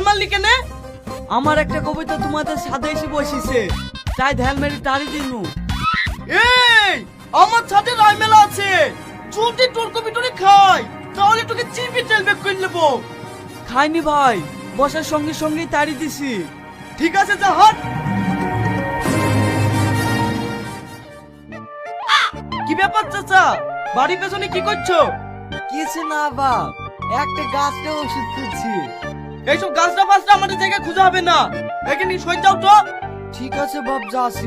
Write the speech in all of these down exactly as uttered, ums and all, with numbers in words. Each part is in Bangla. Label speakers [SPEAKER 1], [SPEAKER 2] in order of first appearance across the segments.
[SPEAKER 1] মারলি কেনে? আমার একটা কবিতা তোমাদের সাথে এসে বসেছে, তাই ধ্যান মেরে তাড়ি দিনু। এই আমার সাথে রায় মেলা আছে, যদি তোর কবিতরে খাই তাহলে তোকে চিপে তেল বেক করে নেবো। খাইনি ভাই, বসার সঙ্গে সঙ্গেই তাড়ি দিছি। ঠিক আছে যা হাট। কি ব্যাপার চাচা, বাড়ির পেছনে কি করছো? কিছু না বাপ, একটা গাছটা ওষুধ খুঁজছি। এইসব গাছটা ফাছটা আমাদের জায়গায় খুঁজে হবে না, এখানে সই যাও তো। ঠিক আছে বাপ, যাচ্ছি।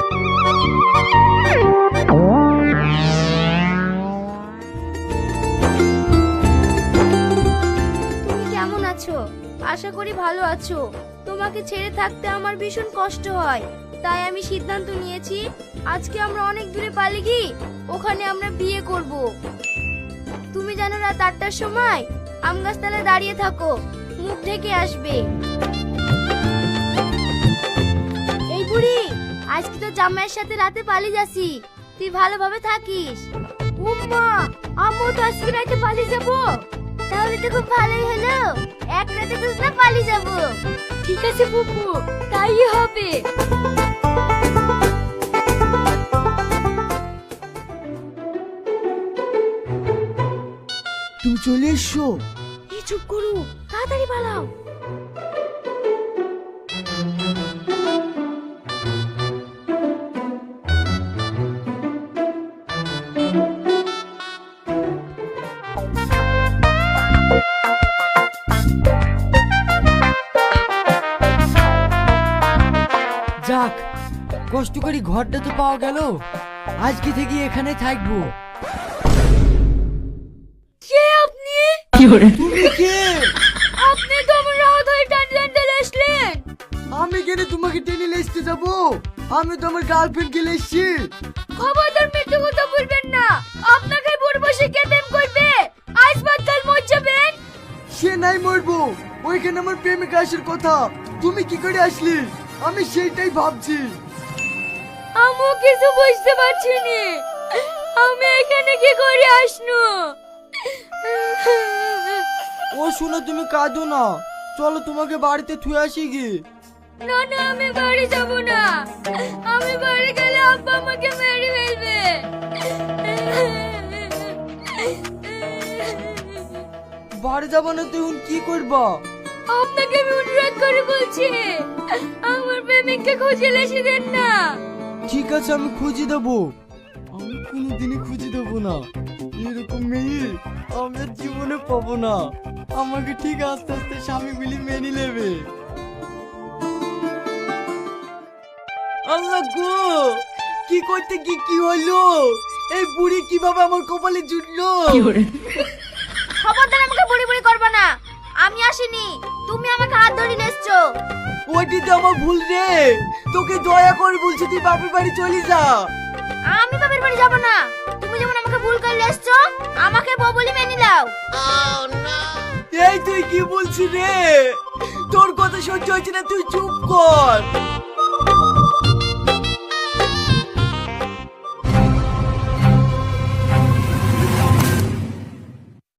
[SPEAKER 2] তুমি কেমন আছো? আশা করি ভালো আছো। তোমাকে ছেড়ে থাকতে আমার ভীষণ কষ্ট হয়, তাই আমি সিদ্ধান্ত নিয়েছি আজকে আমরা অনেক দূরে পালিয়ে গিয়ে ওখানে আমরা বিয়ে করব। তুমি জানো রাত আটটার সময় আম গাছতলায় দাঁড়িয়ে থাকো, মুখ ঢেকে আসবে। এই বুড়ি, আজকে তো জামাইয়ের সাথে রাতে পালিয়ে যাচ্ছি, তুই ভালোভাবে থাকিস। উম্মা, আম্মু তো আজকে রাতে পালিয়ে যাবো। তাহলে তো খুব ভালোই হলো, এক রাতে তো না পালিয়ে যাবো। ঠিক আছে বুবু, তাই হবে।
[SPEAKER 1] তুমি চলে এসো।
[SPEAKER 2] এই চুপ করো, তাড়াতাড়ি পালাও।
[SPEAKER 1] যাক, কষ্ট করি ঘরটা তো পাওয়া গেল, আজকে থেকে এখানে থাকবো।
[SPEAKER 2] কে আপনি?
[SPEAKER 1] তুমি কে?
[SPEAKER 2] আপনি তো আমার রাত হয়ে টান টান টেনে আসলেন।
[SPEAKER 1] আমি কেন তোমাকে টেনে লেসতে যাবো? আমি তো আমার গার্লফ্রেন্ড কে লেসছি।
[SPEAKER 2] খবরদার মিথ্যে কথা বলবেন না, আপনাকে পূর্বশে কে প্রেম করবে? আজ বাদ কাল মর যাবেন।
[SPEAKER 1] সে নাই মরবো, ওইখানে আমার প্রেমিকা আসার কথা, তুমি কি করে আসলি? আমি সেইটাই ভাবছি।
[SPEAKER 2] আমি কিছু বুঝতে পারছি না, আমি এখানে কি করে আসনু?
[SPEAKER 1] ও শুনো, তুমি কাঁদো না, চলো তোমাকে বাড়িতে থুয়ে আসি কি।
[SPEAKER 2] না না, আমি বাড়ি যাব না। আমি বাড়ি গেলে আব্বা আমাকে মেরে ফেলবে।
[SPEAKER 1] বাড়ি যাবো না, তুই কি করবা?
[SPEAKER 2] আপনাকে আমি অনুরোধ করে বলছি, আমার প্রেমিককে খুঁজে এসে দেন না।
[SPEAKER 1] ঠিক আছে, আমি খুঁজে দেবো। আমি কোনোদিনই খুঁজে দেবো না, এরকম মেয়ে আমি আর জীবনে পাবো না। আমাকে ঠিক আস্তে আস্তে স্বামী বলি মেনে নেবে। আল্লাহ গো, কি করতে কি কি হলো? এই বুড়ি কিভাবে আমার কপালে জুটলো?
[SPEAKER 2] খবরদার আমাকে বুড়ি বুড়ি করবে না, আমি আসিনি, তুমি আমাকে হাত ধরে এসছো।
[SPEAKER 1] ওইটি তো আমার ভুল রে, তোকে দয়া করে বলছি তুই বাপের বাড়ি চলে যা।
[SPEAKER 2] আমি বাপের বাড়ি যাব না, তুমি যেমন আমাকে ভুল করে এসছো, আমাকে বউ বলে মেনে নাও।
[SPEAKER 1] এই তুই কি বলছিস রে? তোর কথা সহ্য হচ্ছে না, তুই চুপ কর।